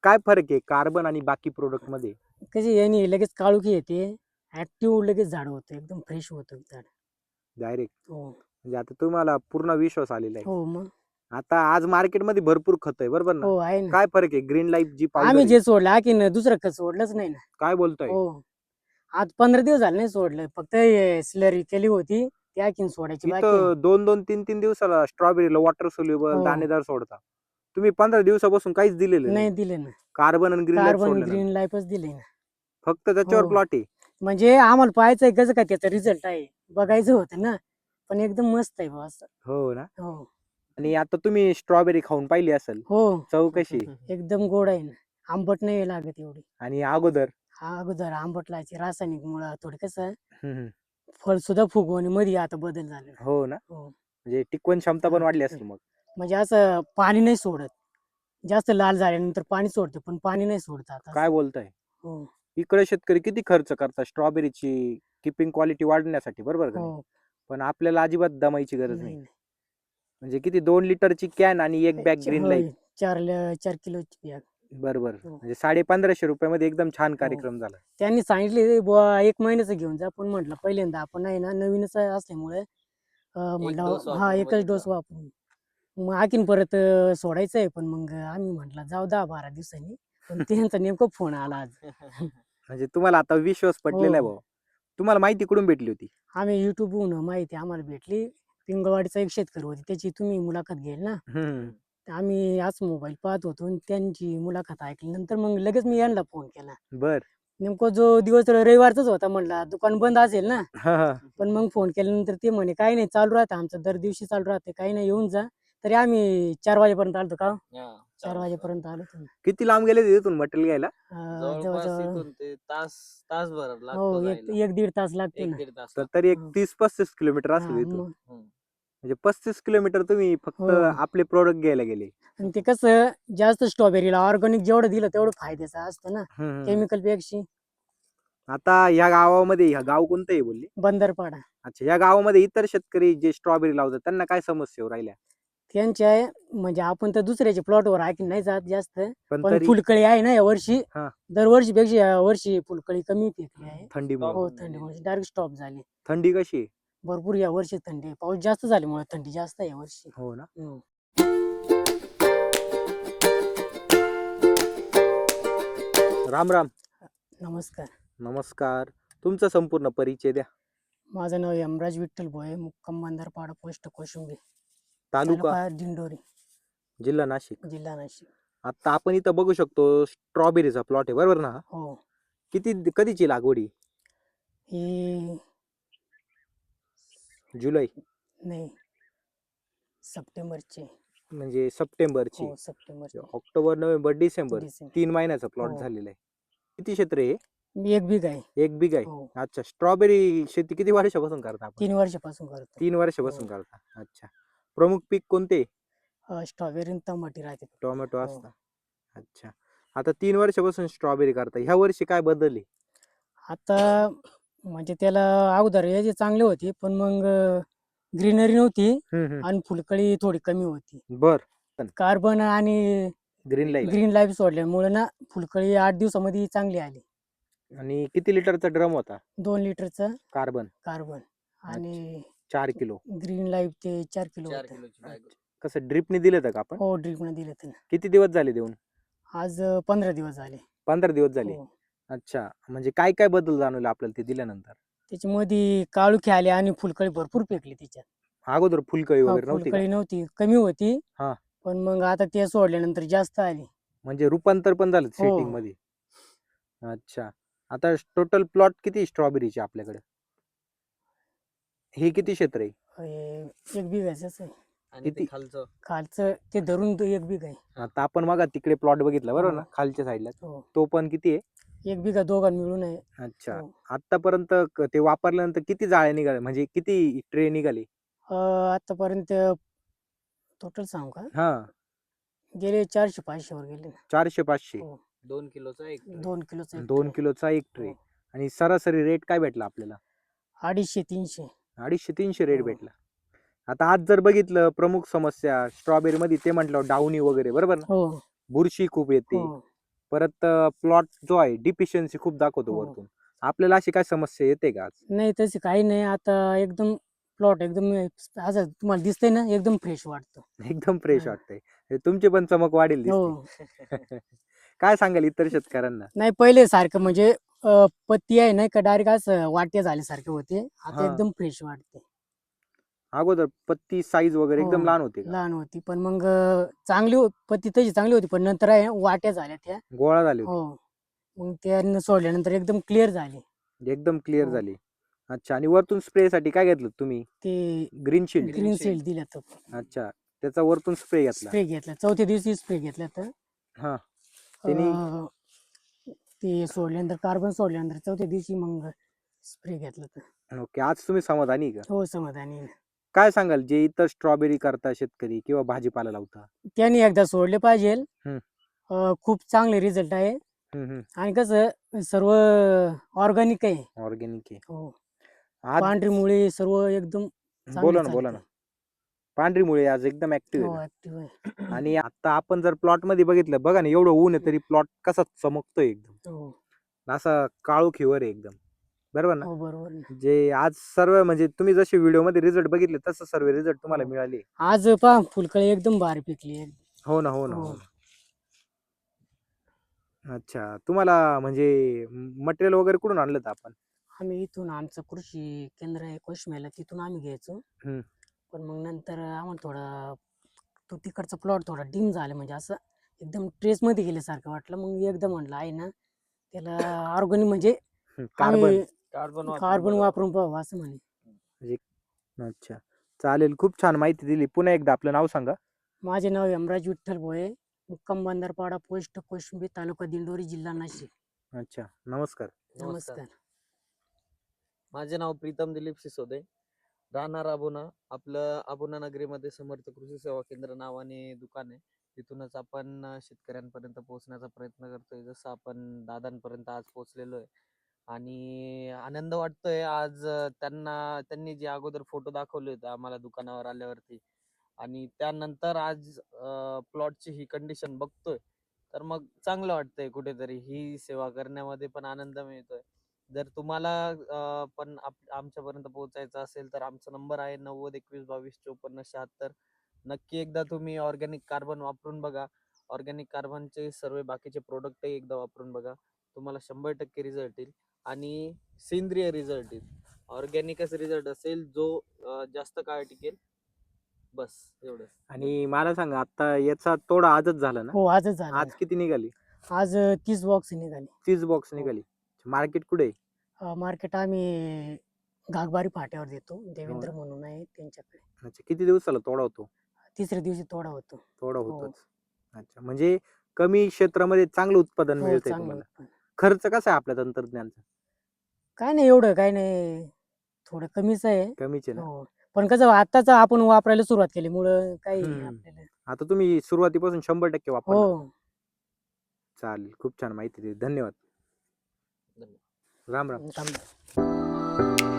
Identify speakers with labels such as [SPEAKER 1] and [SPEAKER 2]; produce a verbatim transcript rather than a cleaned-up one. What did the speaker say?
[SPEAKER 1] काय फरक आहे कार्बन आणि बाकी प्रोडक्ट मध्ये?
[SPEAKER 2] कशी याने लगेच काळुखी येते, ऍक्टिव्ह लगेच झाड होतं, एकदम फ्रेश होतं झाड.
[SPEAKER 1] डायरेक्ट
[SPEAKER 2] हो
[SPEAKER 1] म्हणजे आता तुम्हाला पूर्ण विश्वास आलेला आहे.
[SPEAKER 2] हो मग
[SPEAKER 1] आता आज मार्केटमध्ये भरपूर खत आहे बरोबर ना?
[SPEAKER 2] हो आहे ना.
[SPEAKER 1] काय फरक आहे ग्रीन लाईफ जी पावडर
[SPEAKER 2] आम्ही
[SPEAKER 1] आहे?
[SPEAKER 2] जे सोडलं आणखीन दुसरं खत सोडलंच नाही ना.
[SPEAKER 1] काय बोलताय?
[SPEAKER 2] हो आज पंधरा दिवस झाले नाही सोडलं, फक्त स्लरी केली होती ती आणखीन सोडायची बाकी आहे.
[SPEAKER 1] इथं दोन दोन तीन तीन दिवसाला स्ट्रॉबेरीला वॉटर सोल्युबल
[SPEAKER 2] हो
[SPEAKER 1] दाणेदार सोडता. तुम्ही पंधरा दिवसापासून काहीच दिलेलं नाही.
[SPEAKER 2] नाही दिले ना.
[SPEAKER 1] कार्बन आणि ग्रीन लाईफ
[SPEAKER 2] कार्बन
[SPEAKER 1] सोडल्यानंतर
[SPEAKER 2] ग्रीन लाईफच दिले ना.
[SPEAKER 1] फक्त त्याच्यावर
[SPEAKER 2] हो
[SPEAKER 1] प्लॉट आहे.
[SPEAKER 2] म्हणजे आम्हाला पाहायचंय कसं काय त्याचा रिझल्ट आहे, बघायचं होतं ना. पण एकदम मस्त आहे बा असं.
[SPEAKER 1] हो ना.
[SPEAKER 2] हो
[SPEAKER 1] आणि आता तुम्ही स्ट्रॉबेरी खाऊन पाहिली असेल,
[SPEAKER 2] हो
[SPEAKER 1] चव कशी?
[SPEAKER 2] एकदम गोड आहे ना, आंबट नाही लागत एवढी.
[SPEAKER 1] आणि अगोदर
[SPEAKER 2] हा अगोदर आंबट लागायची, रासायनिक मुळे थोडी कसं
[SPEAKER 1] हम्म, हम्म.
[SPEAKER 2] फळ सुद्धा फुगवणे मध्ये आता बदल झाले.
[SPEAKER 1] हो ना,
[SPEAKER 2] हो
[SPEAKER 1] म्हणजे टिकवण क्षमता पण
[SPEAKER 2] हा,
[SPEAKER 1] वाढली
[SPEAKER 2] टिकते.
[SPEAKER 1] असेल मग.
[SPEAKER 2] म्हणजे असं पाणी नाही सोडत, जास्त लाल झाल्यानंतर पाणी सोडते पण पाणी नाही सोडत आता
[SPEAKER 1] काय
[SPEAKER 2] असं.
[SPEAKER 1] बोलताय?
[SPEAKER 2] हो
[SPEAKER 1] इकडे शेतकरी किती खर्च करतात स्ट्रॉबेरीची किपिंग क्वालिटी वाढण्यासाठी बरोबर का नाही?
[SPEAKER 2] हो
[SPEAKER 1] पण आपल्याला अजिबात दमायची गरज
[SPEAKER 2] नाही
[SPEAKER 1] नाही.
[SPEAKER 2] नाही.
[SPEAKER 1] म्हणजे किती दोन लिटरची कॅन आणि एक बॅग
[SPEAKER 2] च-
[SPEAKER 1] ग्रीन लाईफ.
[SPEAKER 2] होय, चार ल- चार किलोची बॅग.
[SPEAKER 1] बरोबर
[SPEAKER 2] हो
[SPEAKER 1] म्हणजे साडे पंधराशे रुपयामध्ये एकदम छान
[SPEAKER 2] हो.
[SPEAKER 1] कार्यक्रम झाला.
[SPEAKER 2] त्यांनी सांगितले बुवा एक महिन्याचं घेऊन जा, पण म्हटलं पहिल्यांदा आपण आहे ना नवीनच असल्यामुळे अं,
[SPEAKER 3] एक
[SPEAKER 2] म्हटलं
[SPEAKER 3] डोस
[SPEAKER 2] हा
[SPEAKER 3] वापरून
[SPEAKER 2] एकच
[SPEAKER 3] बघितला.
[SPEAKER 2] डोस वापरून मग आणखीन परत अं, सोडायचं आहे, पण मग आम्ही म्हटलं जाऊ दहा बारा दिवसांनी. पण त्यांचा नेमका फोन आला आज.
[SPEAKER 1] म्हणजे तुम्हाला आता विश्वास पटलेला आहे
[SPEAKER 2] हो
[SPEAKER 1] भाऊ. तुम्हाला माहिती कुठून भेटली होती?
[SPEAKER 2] आम्ही युट्यूबवरून माहिती आम्हाला भेटली. पिंगळवाडीचा एक शेतकरी होते, त्याची तुम्ही मुलाखत घ्याल ना.
[SPEAKER 1] हम्म.
[SPEAKER 2] तर आम्ही आज मोबाईल पाहत होतो आणि त्यांची मुलाखत ऐकली, नंतर मग लगेच मी यांना फोन केला.
[SPEAKER 1] बर.
[SPEAKER 2] नेमकं जो दिवस रविवारचाच होता, म्हणला दुकान बंद असेल ना.
[SPEAKER 1] हा हा.
[SPEAKER 2] पण मग फोन केल्यानंतर ते म्हणे काही नाही, चालू राहतं आमचं, दर दिवशी चालू राहते, काही नाही येऊन जा. तरी आम्ही चार वाजेपर्यंत आलतो का हो?
[SPEAKER 3] हा,
[SPEAKER 2] चार
[SPEAKER 3] चालेल.
[SPEAKER 2] वाजेपर्यंत आलो तुम्ही.
[SPEAKER 1] किती लांब गेले तिथून मटेरियल घ्यायला?
[SPEAKER 2] अं,
[SPEAKER 3] जवळपास
[SPEAKER 2] जवळजवळ
[SPEAKER 3] इथून ते तास तासभर
[SPEAKER 2] हो
[SPEAKER 3] लागतो
[SPEAKER 2] एक
[SPEAKER 3] जायला.
[SPEAKER 2] एक दीड तास लागते
[SPEAKER 3] एक
[SPEAKER 2] ना.
[SPEAKER 3] दीड तास
[SPEAKER 1] तर
[SPEAKER 3] लागतो.
[SPEAKER 1] तरी एक
[SPEAKER 2] हं.
[SPEAKER 1] तीस पस्तीस किलोमीटर
[SPEAKER 2] हा
[SPEAKER 1] असेल इथून.
[SPEAKER 2] मग
[SPEAKER 3] हम्म.
[SPEAKER 1] म्हणजे पस्तीस किलोमीटर तुम्ही फक्त
[SPEAKER 2] हो
[SPEAKER 1] आपले प्रोडक्ट घ्यायला गेले.
[SPEAKER 2] आणि ते कसं जास्त स्ट्रॉबेरीला ऑर्गॅनिक जेवढं दिलं तेवढं फायद्याचं असतं ना,
[SPEAKER 1] हम्म.
[SPEAKER 2] केमिकल पेक्षा.
[SPEAKER 1] आता या गावामध्ये ह्या गाव कोणतं आहे बोलली?
[SPEAKER 2] बंदरपाडा.
[SPEAKER 1] अच्छा, या गावामध्ये इतर शेतकरी जे स्ट्रॉबेरी लावतात त्यांना काय समस्या येऊ राहिल्या?
[SPEAKER 2] त्यांच्या म्हणजे आपण तर दुसऱ्याच्या प्लॉटवर ऐकून नाही जात जास्त,
[SPEAKER 1] पण
[SPEAKER 2] पण
[SPEAKER 1] तरी
[SPEAKER 2] फुलकळी आहे ना यावर्षी,
[SPEAKER 1] हा.
[SPEAKER 2] दरवर्षीपेक्षा या वर्षी फुलकळी कमी पिकली आहे.
[SPEAKER 1] थंडीमुळे.
[SPEAKER 2] हो
[SPEAKER 3] Stop झाली.
[SPEAKER 2] थंडीमुळे डायरेक्ट स्टॉप झाली.
[SPEAKER 1] थंडी कशी आहे?
[SPEAKER 2] भरपूर या वर्षी थंडी आहे, पाऊस जास्त झाल्यामुळे थंडी जास्त आहे यावर्षी.
[SPEAKER 1] हो ना.
[SPEAKER 2] हम्म.
[SPEAKER 1] राम राम.
[SPEAKER 2] नमस्कार.
[SPEAKER 1] नमस्कार. तुमचा संपूर्ण परिचय द्या.
[SPEAKER 2] माझं नाव यमराज विठ्ठल भोये, मुक्काम बंदरपाडा, पोस्ट कोशिंबी,
[SPEAKER 1] तालुका
[SPEAKER 2] तालुका दिंडोरी,
[SPEAKER 1] जिल्हा नाशिक.
[SPEAKER 2] जिल्हा नाशिक.
[SPEAKER 1] आता आपण इथं बघू शकतो स्ट्रॉबेरीचा प्लॉट आहे बरोबर ना?
[SPEAKER 2] हो
[SPEAKER 1] किती कधीची लागवडी?
[SPEAKER 2] ही
[SPEAKER 1] जुलै
[SPEAKER 2] नाही सप्टेंबरचे.
[SPEAKER 1] म्हणजे सप्टेंबरची.
[SPEAKER 2] हो सप्टेंबरचे.
[SPEAKER 1] October November December
[SPEAKER 2] December.
[SPEAKER 1] तीन महिन्याचा प्लॉट
[SPEAKER 2] हो.
[SPEAKER 1] झालेला आहे. किती क्षेत्र आहे?
[SPEAKER 2] मी एक बिघ आहे.
[SPEAKER 1] एक बिघा आहे.
[SPEAKER 2] हो
[SPEAKER 1] अच्छा, स्ट्रॉबेरी शेती किती वर्षापासून करता आपण?
[SPEAKER 2] तीन वर्षापासून करतो.
[SPEAKER 1] तीन वर्षापासून करता. अच्छा, प्रमुख पीक कोणते?
[SPEAKER 2] स्ट्रॉबेरी आणि टमाटे राहते.
[SPEAKER 1] टोमॅटो
[SPEAKER 2] हो.
[SPEAKER 1] असता. अच्छा, आता तीन वर्षापासून स्ट्रॉबेरी करता, ह्या वर्षी काय बदलले?
[SPEAKER 2] आता म्हणजे त्याला अगोदर याचे चांगले होते, पण मग ग्रीनरी नव्हती आणि फुलकळी थोडी कमी होती.
[SPEAKER 1] बर.
[SPEAKER 2] कार्बन आणि
[SPEAKER 1] ग्रीन लाईफ.
[SPEAKER 2] ग्रीन लाईफ सोडल्यामुळे ना फुलकळी आठ दिवसामध्ये चांगली आली.
[SPEAKER 1] आणि किती लिटरचा ड्रम होता?
[SPEAKER 2] दोन लिटरचा
[SPEAKER 1] कार्बन
[SPEAKER 2] कार्बन आणि
[SPEAKER 1] चार किलो.
[SPEAKER 2] ग्रीन लाईफ ते चार किलो
[SPEAKER 3] चार
[SPEAKER 2] होतं.
[SPEAKER 3] किलोची बॅग.
[SPEAKER 1] कसं ड्रिपने दिलं होतं का आपण?
[SPEAKER 2] हो ड्रिपने दिलं होतं ना.
[SPEAKER 1] किती दिवस झाले देऊन?
[SPEAKER 2] आज अं, पंधरा दिवस झाले.
[SPEAKER 1] पंधरा दिवस झाले.
[SPEAKER 2] हो.
[SPEAKER 1] अच्छा, म्हणजे काय काय बदल जाणवले आपल्याला ते दिल्यानंतर?
[SPEAKER 2] त्याच्यामध्ये काळुखी आले आणि फुलकळी भरपूर पेकली त्याच्यात.
[SPEAKER 1] अगोदर फुलकळी
[SPEAKER 2] हा,
[SPEAKER 1] वगैरे नव्हती का?
[SPEAKER 2] फुलकळी नव्हती, कमी होती.
[SPEAKER 1] हा.
[SPEAKER 2] पण मग आता ते सोडल्यानंतर जास्त आली.
[SPEAKER 1] म्हणजे रूपांतर पण झालं
[SPEAKER 2] हो.
[SPEAKER 1] सेटिंग मध्ये. अच्छा, आता टोटल प्लॉट किती स्ट्रॉबेरीचे आपल्याकडे? हे किती क्षेत्र आहे?
[SPEAKER 2] हे एक बिघायचंच आहे.
[SPEAKER 3] आणि ते
[SPEAKER 1] किती?
[SPEAKER 3] खालचं
[SPEAKER 2] खालचं ते धरून तो एक बिघ आहे.
[SPEAKER 1] आता आपण बघा तिकडे प्लॉट बघितला बरोबर
[SPEAKER 2] हो.
[SPEAKER 1] ना, खालच्या साईडला
[SPEAKER 2] हो
[SPEAKER 1] तो पण किती आहे?
[SPEAKER 2] एक बिघा दोघां मिळून आहे.
[SPEAKER 1] अच्छा,
[SPEAKER 2] हो.
[SPEAKER 1] आतापर्यंत क- ते वापरल्यानंतर किती जाळे निघाले, म्हणजे किती ट्रे निघाले?
[SPEAKER 2] अं, आतापर्यंत टोटल सांगू का,
[SPEAKER 1] हा,
[SPEAKER 2] गेले चारशे पाचशे वर गेले ना.
[SPEAKER 1] चारशे पाचशे.
[SPEAKER 2] हो.
[SPEAKER 3] दोन किलोचा एक tray.
[SPEAKER 2] दोन किलोचा एक
[SPEAKER 1] दोन
[SPEAKER 2] tray.
[SPEAKER 1] किलोचा एक ट्रे.
[SPEAKER 2] हो.
[SPEAKER 1] आणि सरासरी रेट काय भेटला आपल्याला?
[SPEAKER 2] अडीचशे तीनशे.
[SPEAKER 1] अडीचशे तीनशे रेट
[SPEAKER 2] हो.
[SPEAKER 1] भेटला. आता आज जर बघितलं प्रमुख समस्या स्ट्रॉबेरी मध्ये ते म्हटलं डाउनी वगैरे बरोबर ना,
[SPEAKER 2] हो
[SPEAKER 1] बुरशी खूप येते.
[SPEAKER 2] हो
[SPEAKER 1] परत प्लॉट जो आहे डिफिशियन्सी खूप दाखवतो
[SPEAKER 2] हो.
[SPEAKER 1] वरतून. आपल्याला अशी काय समस्या येते का आज?
[SPEAKER 2] नाही तशी काही नाही. आता एकदम प्लॉट एकदम असं तुम्हाला दिसतंय ना, एकदम फ्रेश वाटतं.
[SPEAKER 1] एकदम फ्रेश
[SPEAKER 2] हा.
[SPEAKER 1] वाटतंय. म्हणजे तुमची पण चमक वाढेल दिसते.
[SPEAKER 2] हो.
[SPEAKER 1] काय सांगाल इतर शेतकऱ्यांना?
[SPEAKER 2] नाही पहिले सारखं म्हणजे अ, पत्ती आहे ना का डायरेक्ट असं वाटे झाल्यासारखे होते. आता
[SPEAKER 1] हा.
[SPEAKER 2] एकदम फ्रेश वाटते.
[SPEAKER 1] अगोदर पत्ती साईज वगैरे एकदम
[SPEAKER 2] हो,
[SPEAKER 1] लहान होती का?
[SPEAKER 2] लहान होती. पण मग अ, चांगली हो पत्ती तशी चांगली होती. पण नंतर आहे वाट्या झाल्या त्या.
[SPEAKER 1] गोळा झाली होती.
[SPEAKER 2] हो. मग त्या सोडल्यानंतर एकदम क्लिअर झाली.
[SPEAKER 1] एकदम क्लिअर
[SPEAKER 2] हो.
[SPEAKER 1] झाली. अच्छा. आणि वरतून स्प्रे साठी काय घेतलं तुम्ही?
[SPEAKER 2] ते
[SPEAKER 1] green shield.
[SPEAKER 2] Green
[SPEAKER 3] Shield.
[SPEAKER 2] Shield दिलं तर
[SPEAKER 1] अच्छा. त्याचा वरतून स्प्रे घेतला.
[SPEAKER 2] स्प्रे घेतला. चौथ्या दिवशी स्प्रे घेतला तर
[SPEAKER 1] हा. त्यांनी
[SPEAKER 2] अ, ते सोडल्यानंतर कार्बन सोडल्यानंतर चौथ्या दिवशी मग स्प्रे घेतला तर
[SPEAKER 1] ओके. आज तुम्ही समाधानी आहे का?
[SPEAKER 2] हो समाधानी आहे.
[SPEAKER 1] काय सांगाल जे इतर स्ट्रॉबेरी करता शेतकरी किंवा भाजीपाला लावता?
[SPEAKER 2] त्यांनी एकदा सोडले पाहिजे.
[SPEAKER 1] हम्म.
[SPEAKER 2] अ, खूप चांगले रिझल्ट आहे.
[SPEAKER 1] हम्म, हम्म.
[SPEAKER 2] आणि कसं सर्व ऑर्गॅनिक आहे.
[SPEAKER 1] ऑर्गॅनिक आहे.
[SPEAKER 2] हो.
[SPEAKER 1] आज
[SPEAKER 2] पांढरी मुळे सर्व एकदम चांगली
[SPEAKER 1] बोला ना बोला ना.
[SPEAKER 2] चालते.
[SPEAKER 1] पांढरी मुळे आज एकदम ऍक्टिव्ह
[SPEAKER 2] हो
[SPEAKER 1] आहे
[SPEAKER 2] ऍक्टिव्ह आहे.
[SPEAKER 1] का? आणि आता आपण जर प्लॉट मध्ये बघितलं बघा ना, एवढं ऊन आहे तरी प्लॉट कसा चमकतोय एकदम.
[SPEAKER 2] हो
[SPEAKER 1] असा काळोखीवर आहे एकदम. बरोबर ना?
[SPEAKER 2] हो बरोबर ना.
[SPEAKER 1] जे आज सर्व म्हणजे तुम्ही जसे व्हिडिओ मध्ये रिझल्ट बघितले तसं सर्व रिझल्ट तुम्हाला
[SPEAKER 2] हो.
[SPEAKER 1] मिळाले.
[SPEAKER 2] आज पहा फुलकळी एकदम भारी पिकली आहे.
[SPEAKER 1] हो ना हो ना
[SPEAKER 2] हो.
[SPEAKER 1] हो ना. अच्छा. तुम्हाला म्हणजे मटेरियल वगैरे कुठून आणलं होतं आपण?
[SPEAKER 2] आम्ही इथून आमचं कृषी केंद्र आहे कोशमेला तिथून आम्ही घ्यायचो.
[SPEAKER 1] हम्म.
[SPEAKER 2] पण मग नंतर आम्हाला थोडा तो तिकडचा प्लॉट थोडा डिम झाला म्हणजे असं एकदम ट्रेस मध्ये गेल्यासारखं वाटलं. मग एकदा म्हटलं आहे ना त्याला ऑर्गॅनिक म्हणजे
[SPEAKER 1] कार्बन.
[SPEAKER 2] आम्ही
[SPEAKER 3] कार्बन
[SPEAKER 2] कार्बन वापरून पाहू असं म्हणे.
[SPEAKER 1] अच्छा. चालेल. खूप छान माहिती दिली. पुन्हा एकदा आपलं नाव सांगा.
[SPEAKER 2] माझे नाव यमराज विठ्ठल भोये, मुक्काम बंदरपाडा, पोस्ट कोशिंबी, तालुका दिंडोरी, जिल्हा नाशिक.
[SPEAKER 1] अच्छा. नमस्कार.
[SPEAKER 3] नमस्कार.
[SPEAKER 2] नमस्कार.
[SPEAKER 3] माझे नाव प्रीतम दिलीप सिसोदे, राहणार अबुना. आपलं अबुना नगरीमध्ये समर्थ कृषी सेवा केंद्र नावाने दुकान आहे. तिथूनच आपण अ, शेतकऱ्यांपर्यंत पोहोचण्याचा प्रयत्न करतोय. जसं आपण दादांपर्यंत आज पोहोचलेलो आहे. आणि आनंद वाटतोय आज अ, त्यांना त्यांनी जे अगोदर फोटो दाखवले होते आम्हाला दुकानावर आल्यावरती आणि त्यानंतर आज प्लॉटची ही कंडिशन बघतोय, तर मग चांगलं वाटतंय. कुठेतरी ही सेवा करण्यामध्ये पण आनंद मिळतोय. जर तुम्हाला अ, पण आप- आमच्यापर्यंत पोहोचायचं असेल तर आमचा नंबर आहे नव्वद एकवीस बावीस चोपन्न शहात्तर. नक्की एकदा तुम्ही ऑर्गॅनिक कार्बन वापरून बघा. ऑर्गॅनिक कार्बनचे सर्व बाकीचे प्रोडक्टही एकदा वापरून बघा. तुम्हाला शंभर टक्के रिझल्ट येईल आणि सेंद्रिय रिझल्ट येईल. ऑर्गॅनिकच रिझल्ट असेल जो अ, जास्त काळ टिकेल. बस एवढंच.
[SPEAKER 1] आणि मला सांगा आता याचा तोडा आजच झाला ना?
[SPEAKER 2] हो आजच झालं
[SPEAKER 1] आज किती निघाली?
[SPEAKER 2] ना. आज अ, तीस बॉक्स निघाले.
[SPEAKER 1] तीस बॉक्स
[SPEAKER 2] हो.
[SPEAKER 1] निघाली. मार्केट कुठे आहे?
[SPEAKER 2] अ, मार्केट आम्ही घागबारी फाट्यावर देतो.
[SPEAKER 1] हो
[SPEAKER 2] देवेंद्र
[SPEAKER 1] ना?
[SPEAKER 2] म्हणून आहे त्यांच्याकडे.
[SPEAKER 1] अच्छा. किती दिवसाला तोडा होतो?
[SPEAKER 2] तिसऱ्या दिवशी तोडा होतो.
[SPEAKER 1] तोडा
[SPEAKER 2] हो
[SPEAKER 1] होतोच. अच्छा. म्हणजे कमी क्षेत्रामध्ये चांगलं उत्पादन
[SPEAKER 2] हो
[SPEAKER 1] मिळतंय
[SPEAKER 2] चांगलं
[SPEAKER 1] तुम्हाला.
[SPEAKER 2] उत्पन्न.
[SPEAKER 1] खर्च कसा आहे आपल्या तंत्रज्ञानचा?
[SPEAKER 2] काय नाही एवढं काय नाही. थोडं कमीच आहे.
[SPEAKER 1] कमीच आहे ना?
[SPEAKER 2] हो. पण कसं आताच आपण वापरायला सुरुवात केल्यामुळं काही
[SPEAKER 1] हम्म.
[SPEAKER 2] आपल्याला
[SPEAKER 1] आता तुम्ही सुरुवातीपासून शंभर टक्के वापरणार.
[SPEAKER 2] हो.
[SPEAKER 1] चालेल. खूप छान माहिती दिली. धन्यवाद.
[SPEAKER 3] धन्यवाद.
[SPEAKER 1] राम राम.
[SPEAKER 2] थांब.